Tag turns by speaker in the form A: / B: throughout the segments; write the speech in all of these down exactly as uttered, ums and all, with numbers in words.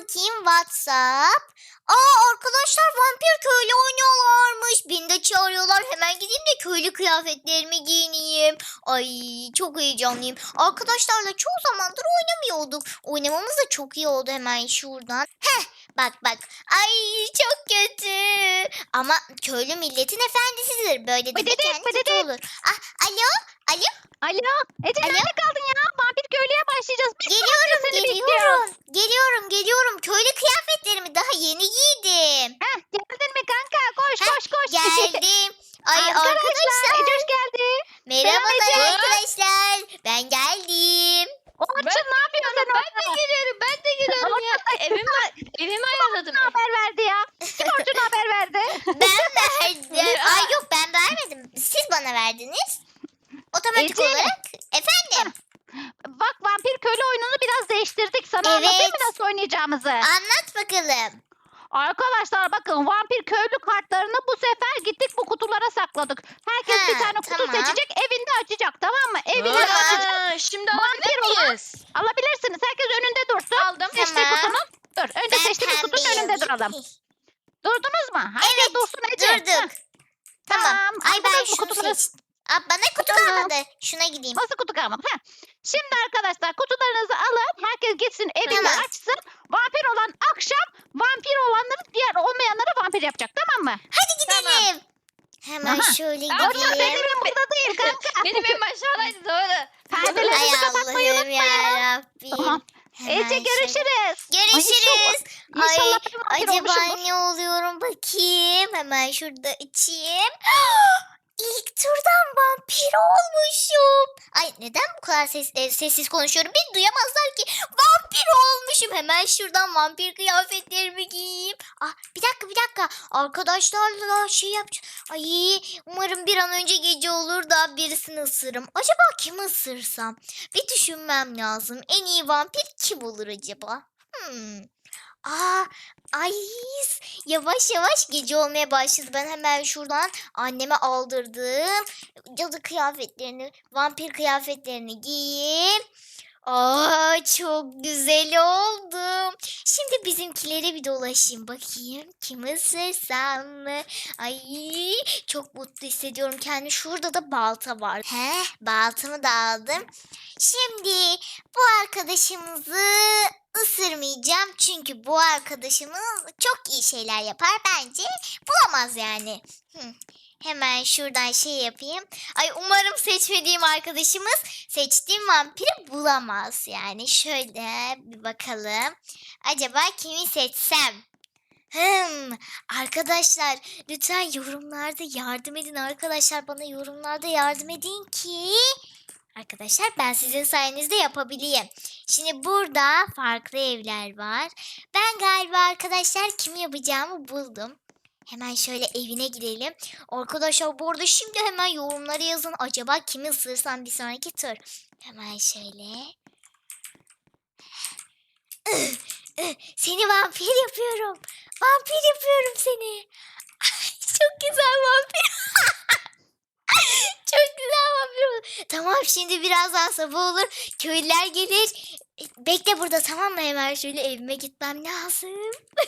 A: bakayım WhatsApp. Aa arkadaşlar vampir köylü oynuyorlarmış. Beni de çağırıyorlar. Hemen gideyim de köylü kıyafetlerimi giyineyim. Ay çok heyecanlıyım. Arkadaşlarla çoğu zamandır oynamıyorduk. Oynamamız da çok iyi oldu hemen şuradan. Heh bak bak. Ay çok kötü. Ama köylü milletin efendisidir. Böyle de
B: Bıdıdık,
A: kendi kötü
B: bıdıdık.
A: olur. Ah alo alo.
B: Alo. Ece
A: Alo?
B: nerede kaldın ya? Vampir köylüye başlayacağız. Bir saattir
A: Geliyorum
B: seni bekliyoruz.
A: geliyorum. Geliyorum geliyorum. Köylü kıyafetlerimi daha yeni giydim.
B: Heh, geldin mi kanka? Koş
A: Heh,
B: koş koş.
A: Geldim. Ay
B: Arkadaşlar.
A: arkadaşlar.
B: Ece hoş geldi.
A: Merhabalar
B: Ece.
A: arkadaşlar. Ben geldim.
B: Orçun ne yapıyorsun sen
C: Ben de
B: orada?
C: geliyorum, ben de geliyorum ya. Evimi, evimi ayarladım.
B: Ne haber verdi ya? Kim Orçun haber verdi?
A: Ben verdim. Ay yok ben vermedim. Siz bana verdiniz. Otomatik
B: Ece.
A: olarak. Efendim.
B: Bak vampir köylü oyununu biraz değiştirdik. Sana
A: Evet.
B: anlatayım mı nasıl oynayacağımızı?
A: Anlat bakalım.
B: Arkadaşlar bakın vampir köylü kartlarını bu sefer gittik bu kutulara sakladık. Herkes
A: Ha,
B: bir tane kutu
A: tamam.
B: seçecek evinde açacak tamam mı? Evinde
C: Aa,
B: açacak.
C: Şimdi
B: Vampir
C: alabilir
B: olan-
C: miyiz?
B: Alabilirsiniz. Herkes önünde dursun.
C: Aldım.
B: Seçtiği
A: Tamam.
B: kutunun. Dur önce
A: Ben
B: seçtiğimiz kutunun
A: pembeyi
B: önünde
A: alayım.
B: duralım. Durdunuz mu? Herkes
A: Evet,
B: dursun Ece.
A: Durduk.
B: Heh,
A: Tamam. Ay ben
B: aldınız mı
A: şunu
B: kutuları?
A: seçtim. Aa, bana kutu
B: Tamam.
A: kalmadı. Şuna gideyim.
B: Nasıl kutu kalmadı? Heh. Şimdi arkadaşlar kutularınızı alın. Herkes gitsin evinde
A: Tamam.
B: açsın. Vampir olan akşam vampir olanları diğer olmayanları vampir yapacak tamam mı?
A: Hadi gidelim. Hemen
B: Aha.
A: şöyle
C: Aa,
B: Orçun senin
A: gideyim.
B: evin burada değil kanka.
C: Benim evim aşağıdaydı doğru.
B: Perdelerinizi
A: Ay
B: kapatmayı
A: Allah'ım ya
B: unutmayın.
A: Rabbim.
B: Tamam.
A: Hemen
B: Ece
A: şöyle-
B: görüşürüz.
A: Görüşürüz. Ay,
B: İnşallah ben vampir
A: acaba
B: olmuşumdur.
A: ne oluyorum bakayım. Hemen şurada içeyim. İlk turdan vampir olmuşum. Ay neden bu kadar ses, e, sessiz konuşuyorum? Beni duyamazlar ki. Vampir olmuşum. Hemen şuradan vampir kıyafetlerimi giyeyim. Ah bir dakika bir dakika. Arkadaşlarla şey yapacağım. Ay umarım bir an önce gece olur da birisini ısırırım. Acaba kimi ısırsam? Bir düşünmem lazım. En iyi vampir kim olur acaba? Hmm. Aa, ay yavaş yavaş gece olmaya başladı. Ben hemen şuradan anneme aldırdığım cadı kıyafetlerini, vampir kıyafetlerini giyeyim. Aa, çok güzel oldum. Şimdi bizimkileri bir dolaşayım bakayım. Kim ısırsam mı? Ay çok mutlu hissediyorum kendimi. Şurada da balta var. He, baltamı da aldım. Şimdi bu arkadaşımızı ısırmayacağım. Çünkü bu arkadaşımız çok iyi şeyler yapar. Bence bulamaz yani. Hı. Hemen şuradan şey yapayım. Ay umarım seçmediğim arkadaşımız seçtiğim vampiri bulamaz. Yani şöyle bir bakalım. Acaba kimi seçsem? Hmm, arkadaşlar lütfen yorumlarda yardım edin arkadaşlar. Bana yorumlarda yardım edin ki arkadaşlar ben sizin sayenizde yapabileyim. Şimdi burada farklı evler var. Ben galiba arkadaşlar kimi yapacağımı buldum. Hemen şöyle evine gidelim. Arkadaşlar bu arada şimdi hemen yorumlara yazın. Acaba kimi ısırsam bir sonraki tur. Hemen şöyle. Seni vampir yapıyorum. Vampir yapıyorum seni. Çok güzel vampir. Çok güzel vampir olur. Tamam şimdi birazdan sabah olur. Köylüler gelir. Bekle burada tamam mı? Hemen şöyle evime gitmem lazım.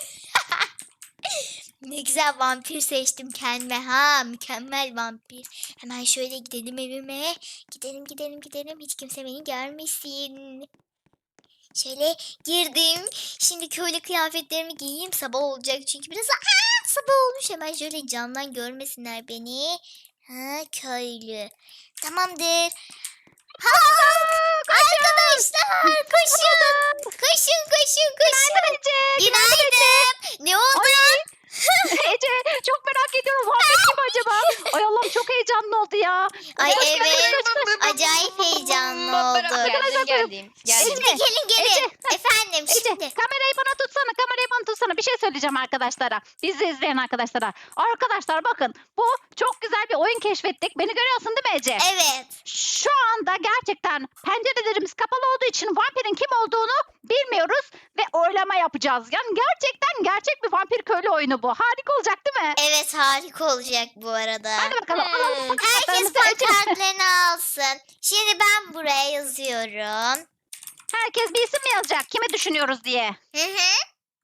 A: Ne güzel vampir seçtim kendime. Ha mükemmel vampir. Hemen şöyle gidelim evime. Gidelim gidelim gidelim. Hiç kimse beni görmesin. Şöyle girdim. Şimdi köylü kıyafetlerimi giyeyim. Sabah olacak çünkü biraz Aa, sabah olmuş. Hemen şöyle camdan görmesinler beni. Ha köylü. Tamamdır. Ha arkadaşlar koşun. Koşun koşun koşun.
B: Günaydın Ece.
A: Günaydın. Ne oldu?
B: Ece çok merak ediyorum vampir kim acaba? Ay Allah'ım çok heyecanlı oldu ya.
A: Ay
B: Hoş geldin
A: evet.
B: arkadaşlar.
A: Acayip heyecanlı oldu.
C: Geldim geldim.
A: Şimdi
C: geldim.
A: gelin gelin.
B: Ece,
A: Efendim
B: Ece
A: şimdi.
B: kamerayı bana tutsana kamerayı bana tutsana bir şey söyleyeceğim arkadaşlara. Bizi izleyen arkadaşlara. Arkadaşlar bakın bu çok güzel bir oyun keşfettik. Beni görüyorsun değil mi Ece?
A: Evet.
B: Şu anda gerçekten pencerelerimiz kapalı olduğu için vampirin kim olduğunu bilmiyoruz ve oylama yapacağız. Yani gerçekten gerçek bir vampir köylü oyunu bu. Harika olacak değil mi?
A: Evet harika olacak bu arada.
B: Hadi bakalım alalım
C: Hmm.
A: Herkes
B: pankartlarımızı Ece.
A: pankartlarını alsın. Şimdi ben buraya yazıyorum.
B: Herkes bir isim mi yazacak? Kimi düşünüyoruz diye.
A: Hı hı.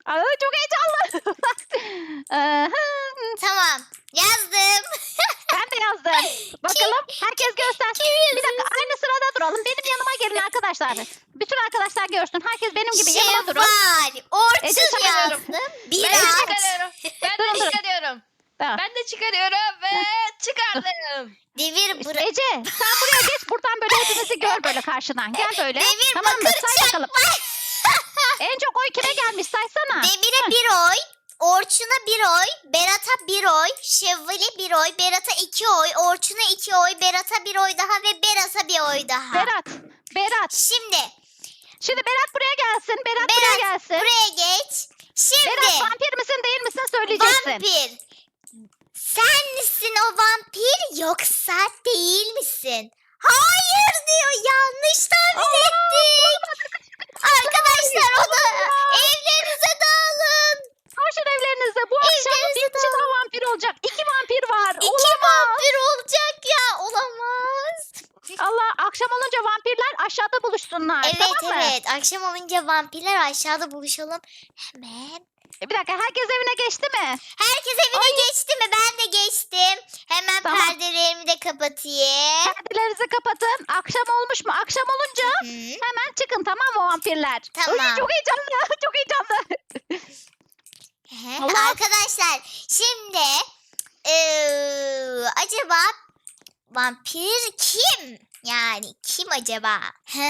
B: Aa, çok heyecanlı. Aha,
A: Tamam. Yazdım.
B: ben de yazdım. Bakalım herkes göstersin. Bir dakika aynı sırada duralım. Benim yanıma gelin arkadaşlar. Bütün arkadaşlar görsün. Herkes benim gibi yanıma durun.
A: Şevval.
B: Ece
A: Orçun
B: çıkarıyorum.
A: yazdım.
C: Ben de
A: Biraz.
C: çıkarıyorum. Ben
B: Durun,
C: de
B: durun.
C: çıkarıyorum.
B: Tamam.
C: Ben de çıkarıyorum ve çıkardım.
A: Devir
B: İşte
A: bura.
B: Ece sen buraya geç. Buradan böyle hepimizi gör böyle karşıdan. Gel böyle.
A: Devir
B: Tamam mı?
A: bakır
B: Say bakalım. En çok oy kime gelmiş saysana.
A: Demir'e bir oy. Orçun'a bir oy, Berat'a bir oy, Şevval'e bir oy, Berat'a iki oy, Orçun'a iki oy, Berat'a bir oy daha ve Berat'a bir oy daha.
B: Berat. Berat.
A: Şimdi
B: Şimdi Berat buraya gelsin. Berat,
A: Berat,
B: buraya gelsin.
A: buraya geç.
B: Berat
A: Şimdi
B: vampir misin değil misin söyleyeceksin.
A: vampir. Sen misin o vampir yoksa değil misin? Hayır diyor, yanlış tahmin ettik. Arkadaşlar o da evlerinize dağılın.
B: Koşun evlerinize. Bu akşam
A: Evlerinize
B: bir kişi
A: dağılın.
B: daha vampir olacak. İki vampir var.
A: İki
B: Olamaz.
A: vampir olacak ya, olamaz.
B: Allah akşam olunca vampirler aşağıda buluşsunlar.
A: Evet
B: tamam mı?
A: evet, akşam olunca vampirler aşağıda buluşalım. Hemen.
B: E, bir dakika herkes evine geçti mi?
A: Herkes evine geçti mi? Ben de geçtim. Hemen
B: Tamam.
A: perdelerimi de kapatayım.
B: Perdelerinizi kapatın. Akşam olmuş mu? Akşam olunca
A: Hı.
B: hemen çıkın tamam mı vampirler?
A: Tamam.
B: Ay, çok heyecanlı. Çok heyecanlı.
A: Ehe,
B: Allah.
A: Arkadaşlar şimdi eee, acaba vampir kim? Yani kim acaba?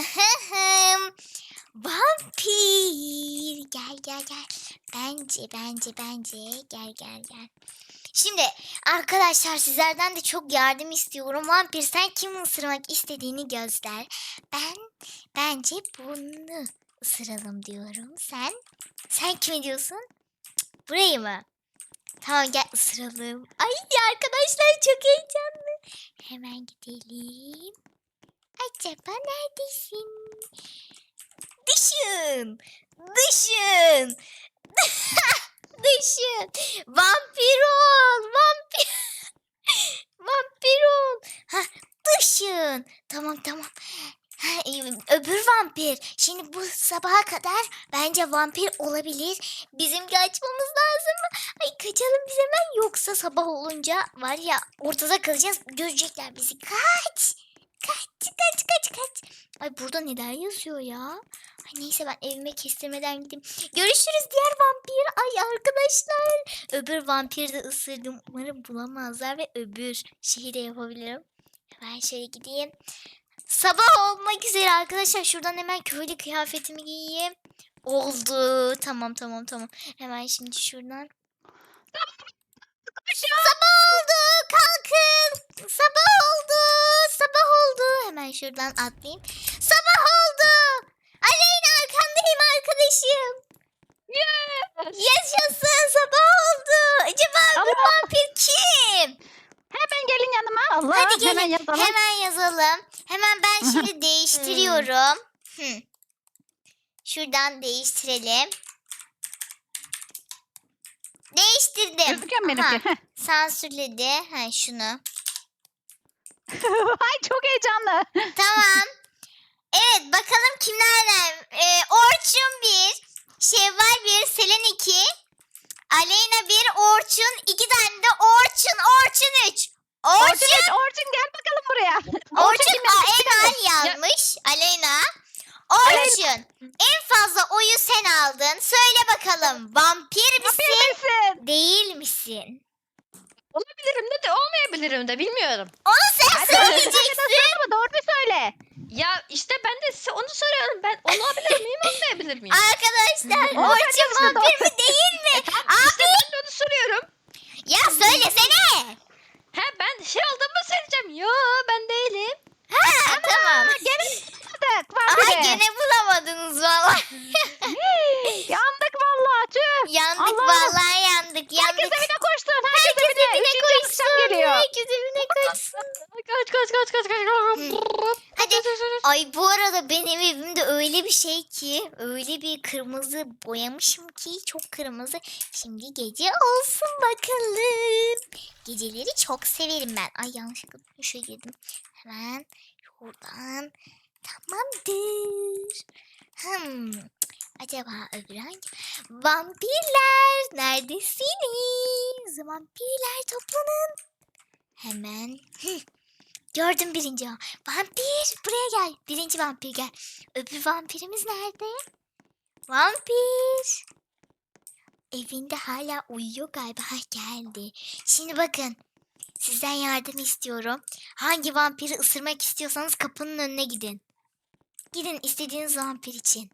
A: Vampir. Gel gel gel. Bence bence bence gel gel gel. Şimdi arkadaşlar sizlerden de çok yardım istiyorum. Vampir sen kimi ısırmak istediğini göster. Ben bence bunu ısıralım diyorum. Sen? Sen kimi diyorsun? Cık, burayı mı? Tamam gel ısıralım. Ay arkadaşlar çok heyecanlı. Hemen gidelim. Acaba neredesin? Düşün. Düşün. Düşün. Vampir ol. Vampir. Vampir ol. Ha, düşün. Tamam tamam. Ha, e, öbür vampir. Şimdi bu sabaha kadar bence vampir olabilir. Bizim kaçmamız lazım mı? Ay kaçalım biz hemen. Yoksa sabah olunca var ya ortada kalacağız. Görecekler bizi. Kaç. Kaç kaç kaç kaç. Ay burada neler yazıyor ya? Ay neyse ben evime kestirmeden gideyim. Görüşürüz diğer vampir. Ay arkadaşlar. Öbür vampiri de ısırdım. Umarım bulamazlar ve öbür şeyi de yapabilirim. Hemen şöyle gideyim. Sabah olmak üzere arkadaşlar. Şuradan hemen köylü kıyafetimi giyeyim. Oldu. Tamam tamam tamam. Hemen şimdi şuradan. Sabah oldu. Kalkın. Sabah oldu. Sabah oldu. Hemen şuradan atlayayım. Sabah oldu. Aleyna arkandayım arkadaşım. Yaşasın. Sabah oldu. Acaba öbür
B: Allah.
A: vampir kim?
B: Hemen gelin yanıma. Allah
A: Hadi gelin.
B: hemen yazalım.
A: Hemen yazalım. Hemen ben şimdi değiştiriyorum. Hı. Şuradan değiştirelim. Değiştirdim.
B: Gözüküyor mu
A: Aha,
B: benimki? Heh.
A: sansürledi. Ha, şunu.
B: Ay çok heyecanlı.
A: Tamam. Evet bakalım kimlerden? Ee, Orçun bir, Şevval bir, Selen iki, Aleyna bir, Orçun iki tane de Orçun, Orçun üç.
B: Orçun,
A: Orçun,
B: geç, Orçun gel bakalım buraya.
A: Orçun
B: kim yazmış?
A: Enal yazmış. Aleyna. Orçun en fazla oyu sen aldın. Söyle bakalım vampir misin
B: Vampir misin?
A: değil misin?
C: Olabilirim de de olmayabilirim de bilmiyorum.
A: Onu sen
B: Hadi,
A: söyleyeceksin.
B: Söyle mi? Doğru bir söyle.
C: Ya işte ben de size onu soruyorum. Ben olabilir miyim olmayabilir miyim?
A: Arkadaşlar
B: Onu
A: Orçun
B: söyleyeceksin,
A: vampir
B: doğru.
A: mi değil mi?
C: İşte ben de onu soruyorum.
A: Ya söylesene.
C: He ben şey olduğumu söyleyeceğim. Yo ben değilim.
A: Ha tamam.
B: Gene bulamadık
A: Aha
B: vampiri.
A: gene bulamadınız valla.
B: Yandık vallahi tüh.
A: Yandık
B: Allah.
A: vallahi yandık yandık.
B: Herkes evine koştun. Herkes,
A: Herkes
B: evine.
A: evine
B: Üçüncü akşam
A: koşsun.
B: geliyor.
A: Herkes evine koşsun.
C: Kaç kaç kaç kaç kaç kaç.
A: Hadi. Ay bu arada benim evimde öyle bir şey ki, öyle bir kırmızı boyamışım ki çok kırmızı. Şimdi gece olsun bakalım. Geceleri çok severim ben. Ay yanlışlıkla şuraya girdim. Hemen şuradan. Tamamdır. Hmm. Acaba öbürü hangi? Vampirler neredesiniz? Vampirler toplanın. Hemen. Hı, gördüm birinci. va- Vampir buraya gel. Birinci vampir gel. Öbür vampirimiz nerede? Vampir. Evinde hala uyuyor galiba. Ha, geldi. Şimdi bakın. Sizden yardım istiyorum. Hangi vampiri ısırmak istiyorsanız kapının önüne gidin. Gidin istediğiniz vampir için.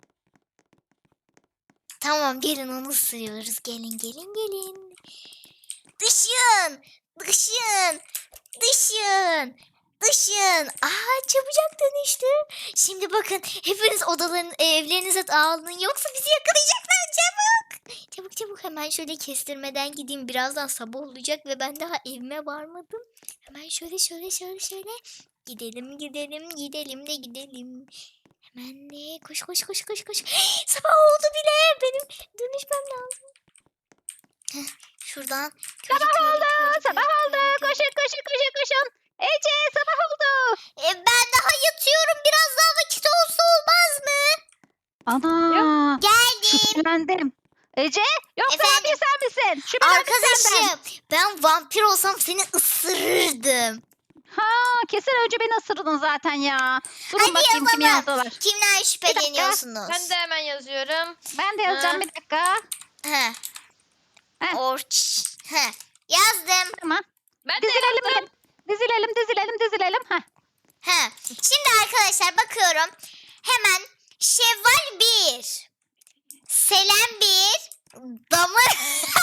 A: Tamam gelin onu ısırıyoruz. Gelin gelin gelin. Dışın. Dışın. Dışın. Dışın. Aa çabucak dönüştü. Şimdi bakın hepiniz odaların evlerinize dağılın yoksa bizi yakalayacaklar çabuk. Çabuk çabuk hemen şöyle kestirmeden gideyim. Birazdan sabah olacak ve ben daha evime varmadım. Hemen şöyle şöyle şöyle şöyle. Gidelim gidelim gidelim de gidelim. Hemen de koş koş koş koş koş. Sabah oldu bile. Benim dönüşmem lazım. Heh, şuradan. köle,
B: Sabah
A: köle,
B: oldu,
A: köle,
B: sabah
A: köle,
B: oldu.
A: köle, köle.
B: Koşun koşun koşun koşun. Ece sabah oldu.
A: E, ben daha yatıyorum. Biraz daha vakit olsa olmaz mı?
B: Ana.
A: Geldim.
B: Şüphelendim. Ece yoksa
A: Efendim?
B: vampir sen misin? Şüphelendim senden.
A: Arkadaşım ben vampir olsam seni ısırırdım.
B: Ha kesin önce beni ısırdın zaten ya. Durun
A: Hadi
B: bakayım kim
A: yazalım.
B: yazdılar.
A: Kimden şüpheleniyorsunuz?
C: Ben de hemen yazıyorum.
B: Ben de yazacağım
C: Ha.
B: bir dakika.
A: He.
B: Heh.
A: Orç. He. Yazdım.
B: Tamam.
C: Ben de
B: Dizilelim
C: yazdım.
B: mi? Dizilelim dizilelim dizilelim. Heh.
A: He. Şimdi arkadaşlar bakıyorum. Hemen Şevval bir. Selen bir. Damır.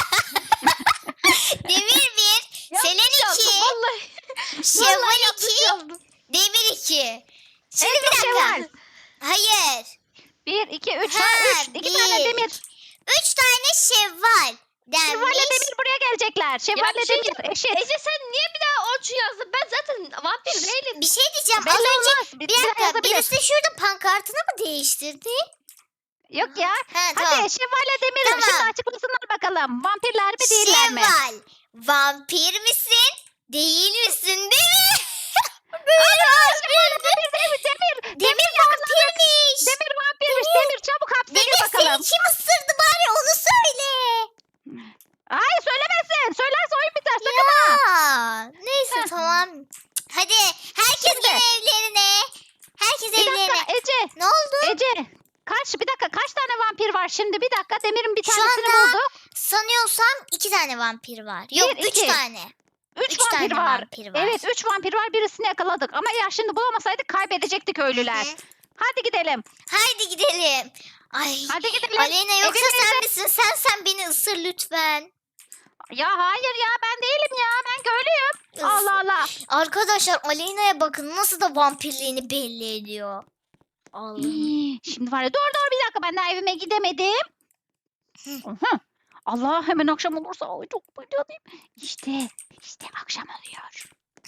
A: Demir bir. Selen
C: Yazdım,
A: iki.
C: Vallahi.
A: Şevval
C: Vallahi yanlış
A: iki.
C: yazdım.
A: Demir iki. Şimdi
B: En
A: bir
B: çok
A: dakika.
B: Şevval.
A: Hayır.
B: Bir, iki, üç.
A: Ha,
B: Ha, üç. İki
A: bir.
B: tane demir.
A: Üç tane şevval
B: Şevval'le
A: denmiş.
B: demir buraya gelecekler. Şevval'le
C: bir şey
B: demir. Eşit.
C: Ece sen niye bir daha Orçun yazdın? Ben zaten vampir değilim.
A: Bir şey diyeceğim.
B: Belli
A: Az önce
B: olmaz. Bir,
A: bir
B: bir daha
A: dakika
B: yazabilir.
A: birisi şurada pankartını mı değiştirdi?
B: Yok ya.
A: Ha,
B: Hadi
A: tamam.
B: Şevval'le demir.
A: Tamam.
B: Şimdi açıklasınlar bakalım. Vampirler mi değiller mi?
A: Şevval, vampir misin? Değil misin değil mi?
B: Ana Şevval'le demir demir demir.
A: Demir vampirmiş.
B: Demir vampirmiş. Demir çabuk hapse
A: Demir
B: gir
A: seni
B: bakalım.
A: kim ısırdı bari onu söyle.
B: Ay söylemesin. Söylerse oyun biter. Sakın ha.
A: Ya, neyse
B: Heh.
A: tamam. Hadi herkes
B: Şimdi.
A: gel evlerine. Herkes
B: Bir
A: evlerine.
B: dakika Ece.
A: Ne oldu?
B: Ece. Kaç bir dakika kaç tane vampir var şimdi? Bir dakika Demir'in bir
A: Şu
B: tanesini
A: anda
B: bulduk.
A: Sanıyorsam iki tane vampir var. Yok
B: Bir,
A: üç
B: iki.
A: tane.
B: Üç,
A: Üç
B: vampir
A: tane
B: var.
A: vampir var.
B: Evet üç vampir var birisini yakaladık. Ama ya şimdi bulamasaydık kaybedecektik köylüler.
A: Hı hı.
B: Hadi gidelim.
A: Haydi gidelim. Ay.
B: Hadi gidelim.
A: Aleyna yoksa
B: Ece
A: sen
B: teyze-
A: misin? Sen sen beni ısır lütfen.
B: Ya hayır ya ben değilim ya. Ben köylüyüm.
A: Is-
B: Allah Allah.
A: Arkadaşlar Aleyna'ya bakın nasıl da vampirliğini belli ediyor. Allah'ım.
B: Hii, Şimdi var ya dur dur bir dakika ben daha evime gidemedim.
A: Hı.
B: Aha. Allah hemen akşam olursa ay çok bayılıyım. İşte işte akşam oluyor.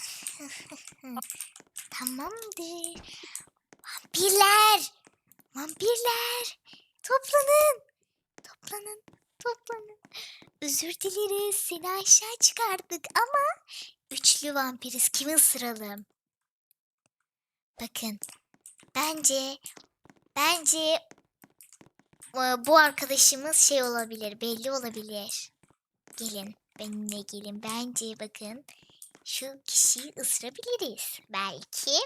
A: Tamamdır. Vampirler. Vampirler. Toplanın. Toplanın. Toplanın. Özür dileriz. Seni aşağı çıkardık ama üçlü vampiriz. Kimi ısıralım? Bakın. Bence bence e, bu arkadaşımız şey olabilir. Belli olabilir. Gelin. Benimle gelin. Bence bakın. Şu kişiyi ısırabiliriz. Belki.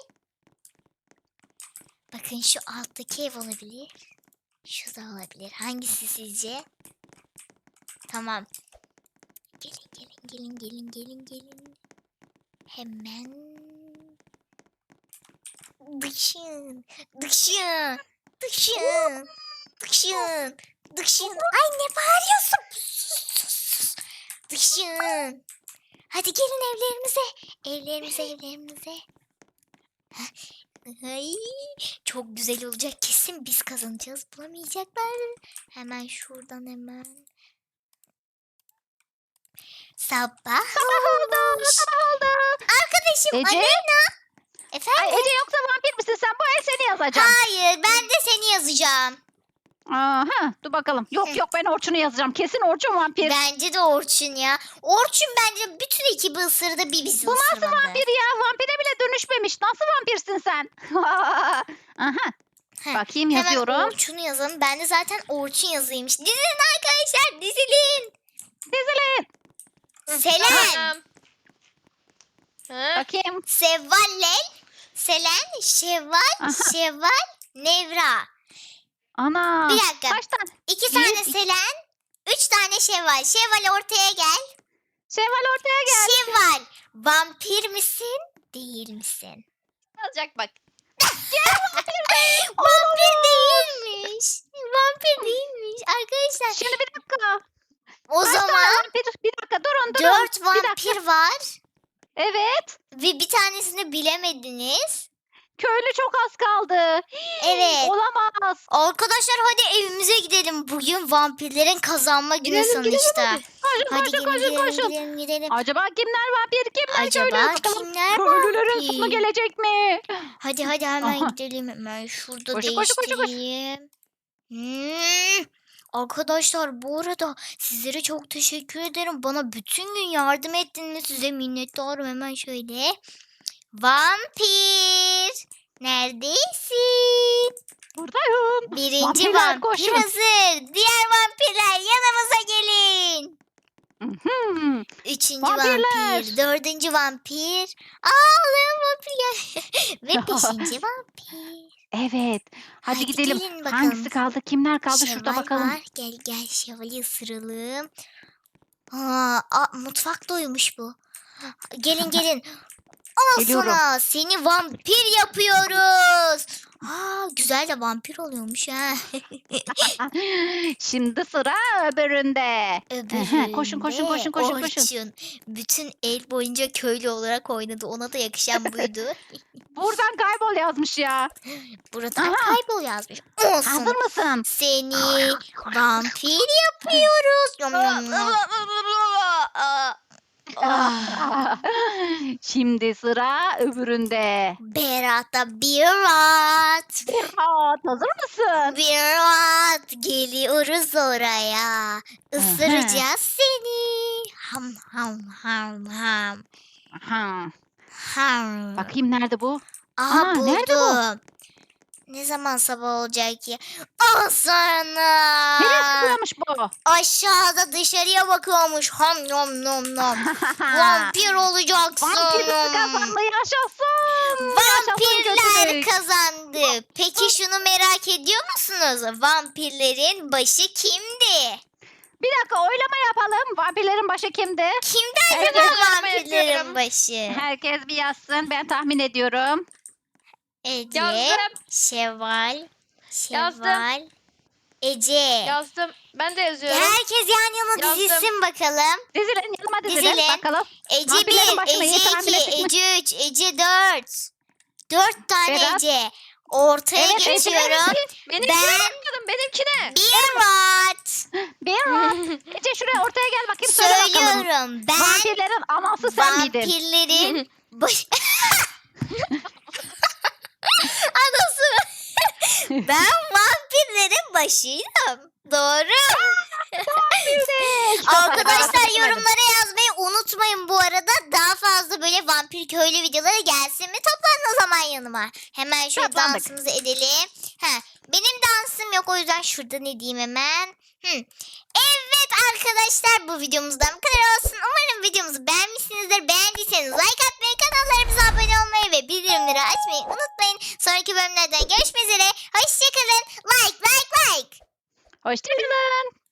A: Bakın şu alttaki ev olabilir. Şu da olabilir. Hangisi sizce? Tamam. Gelin gelin gelin gelin gelin gelin. Hemen. Dışın. Dışın. Dışın. Dışın. Dışın. Ay ne bağırıyorsun? Sus, sus, sus. Dışın. Hadi gelin evlerimize. Evlerimize evlerimize. Heh. Ay, çok güzel olacak. Kesin biz kazanacağız. Bulamayacaklar. Hemen şuradan hemen. Sabah,
B: Sabah oldu. Sabah oldu.
A: Arkadaşım
B: Ece?
A: Aleyna.
B: Ay
A: Efendim?
B: Ece yoksa vampir misin sen? Bu el seni yazacağım.
A: Hayır ben de seni yazacağım.
B: Aha, dur bakalım. Yok
A: Hı.
B: yok ben Orçun'u yazacağım. Kesin Orçun vampir.
A: Bence de Orçun ya. Orçun bence bütün ekibi ısırdı bir bizi
B: Bu nasıl
A: ısırmadı.
B: vampir ya? Vampire bile dönüşmemiş. Nasıl vampirsin sen? Aha.
A: Heh,
B: Bakayım
A: Hemen
B: yazıyorum.
A: Orçun'u yazalım. Ben de zaten Orçun yazıymış. Dizilin arkadaşlar, dizilin.
B: Dizilin.
A: Selen,
C: Tamam. Ha?
B: Bakayım.
A: Sevval, Selen, Şevval,
B: Aha.
A: Şevval, Nevra.
B: Ana.
A: Bir dakika.
B: Kaç tane?
A: İki
B: Bir,
A: tane
B: iki-
A: Selen, üç tane Şevval. Şevval ortaya gel.
B: Şevval ortaya gel.
A: Şevval, vampir misin, değil misin?
C: Alacak bak.
A: Vampir değilmiş. Vampir değilmiş. Arkadaşlar
B: Şimdi bir dakika.
A: o
B: Kaç tane
A: zaman
B: vampir? Bir dakika durun durun.
A: dört
B: Bir dakika.
A: vampir var.
B: Evet.
A: Ve bir tanesini bilemediniz.
B: Köylü çok az kaldı.
A: Evet.
B: Olamaz.
A: Arkadaşlar hadi evimize gidelim. Bugün vampirlerin kazanma günü
C: Gidelim, gidelim
A: sonuçta.
B: Koşun
A: Hadi
B: koşun
A: gidelim,
B: koşun
A: gidelim,
B: koşun.
A: gidelim, gidelim.
B: Acaba kimler vampir kimler köylü?
A: Acaba
B: Bakalım.
A: kimler
B: Köylülerin
A: vampir?
B: sonu gelecek mi?
A: Hadi hadi hemen
B: Aha.
A: gidelim. Hemen şurada
B: Koşun, koşun, koşun, koşun.
A: değiştireyim. Hmm. Arkadaşlar bu arada sizlere çok teşekkür ederim. Bana bütün gün yardım ettiniz. Size minnettarım. Hemen şöyle. Vampir. Neredesin?
B: Buradayım.
A: Birinci
B: Vampirler,
A: vampir
B: koşun.
A: hazır. Diğer vampirler yanımıza gelin.
B: Mhm.
A: Üçüncü
B: Vampirler.
A: vampir, dördüncü vampir. Ağlayan vampir gel. Ve beşinci vampir.
B: Evet. Hadi,
A: Hadi
B: gidelim.
A: gelin bakalım.
B: Hangisi kaldı? Kimler kaldı? Şurada
A: Şevval
B: bakalım.
A: var. Gel gel Şevval'i ısıralım. Aa, aa, mutfak doymuş bu. Gelin gelin. Al
B: Geliyorum.
A: sana. Seni vampir yapıyoruz. Aa, güzel de vampir oluyormuş ha.
B: Şimdi sıra öbüründe.
A: Öbüründe
B: koşun, koşun, koşun, koşun, koşun.
A: Orçun bütün el boyunca köylü olarak oynadı. Ona da yakışan buydu.
B: Buradan kaybol yazmış ya.
A: Buradan
B: Aha.
A: kaybol yazmış.
B: Hazır
A: Olsun.
B: mısın?
A: Seni vampir yapıyoruz. Yom yom yom.
B: Ah. Şimdi sıra öbüründe.
A: Berat'a bir at.
B: Berat hazır mısın?
A: Bir at. Geliyoruz oraya. Isıracağız seni. Ham ham ham ham.
B: Aha.
A: Ham.
B: Bakayım nerede bu?
A: Aha
B: Aa, nerede bu?
A: buldum. Ne zaman sabah olacak ki? Al sana.
B: Nereye sıkıyormuş bu?
A: Aşağıda dışarıya bakıyormuş. Ham nom nom nom. Vampir olacaksın.
B: Vampirler kazandı yaşasın. Yaşasın
A: Vampirler
B: kötülük.
A: kazandı. Peki şunu merak ediyor musunuz? Vampirlerin başı kimdi?
B: Bir dakika oylama yapalım. Vampirlerin başı kimdi?
A: Kimdi
B: Evet,
A: acaba
C: oylama
A: vampirlerin
C: yapıyorum.
A: başı?
B: Herkes bir yazsın. Ben tahmin ediyorum.
A: Ece,
C: Yazdım.
A: Şevval,
C: Yazdım.
A: Şevval, Ece.
C: Yazdım. Ben de yazıyorum.
A: Herkes yan yana
C: Yazdım.
A: dizilsin bakalım.
B: Dizilin yanıma dizilin.
A: Dizilin.
B: Bakalım.
A: Ece
B: Vampirlerin
A: bir,
B: başına iyi
A: Ece
B: tahmin
A: iki,
B: ettik mi?
A: Ece üç, Ece dört. Dört tane
B: Berat.
A: Ece. Ortaya
B: Evet, Ece
A: geçiyorum.
C: Benimkine
A: Ben-
C: bakmadım. Benimkine.
A: Bir watt.
B: Bir var. Ece şuraya ortaya gel bakayım. Söyle bakalım.
A: Söylüyorum. Ben
B: Vampirlerin anası sen miydin?
A: vampirlerin baş... Anası. Ben vampirlerin başıydım. Doğru. Arkadaşlar yorumlara yazmayı unutmayın bu arada. Daha fazla böyle vampir köylü videoları gelsin mi? Toplanın o zaman yanıma. Hemen şöyle
B: Toplandık.
A: dansımızı edelim. Ha, benim dansım yok o yüzden şurada ne diyeyim hemen. Hı. Evet arkadaşlar bu videomuzdan bu kadar olsun. Umarım videomuzu beğenmişsinizdir. Beğendiyseniz like atmayı, kanallarımıza abone olmayı ve bildirimleri açmayı unutmayın. Sonraki bölümlerden görüşmek üzere. Hoşçakalın. Like like like.
B: Hoşçakalın.